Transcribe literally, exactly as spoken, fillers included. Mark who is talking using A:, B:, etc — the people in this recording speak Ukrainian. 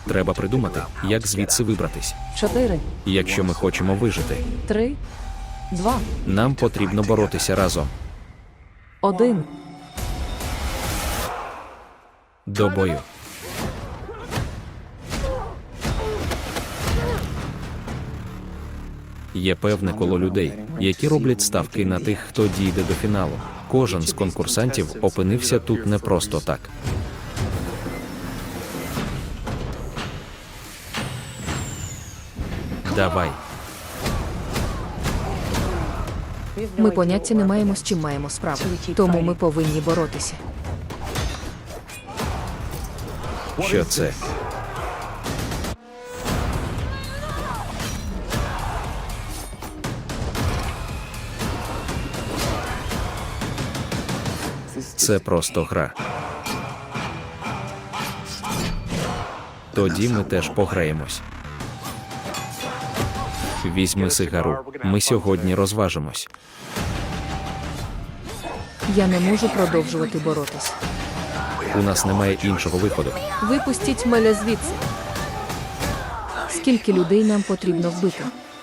A: Треба придумати, як звідси вибратись.
B: Чотири,
A: Якщо ми хочемо вижити,
B: три, два,
A: нам потрібно боротися разом.
B: один.
A: До бою. Є певне коло людей, які роблять ставки на тих, хто дійде до фіналу. Кожен з конкурсантів опинився тут не просто так. Давай.
B: Ми поняття не маємо, з чим маємо справу. Тому ми повинні боротися.
A: Що це? Це просто гра. Тоді ми теж пограємось. Візьми сигару, ми сьогодні розважимось.
B: Я не можу продовжувати боротися.
A: У нас немає іншого виходу.
B: Випустіть мене звідси. Скільки людей нам потрібно вбити?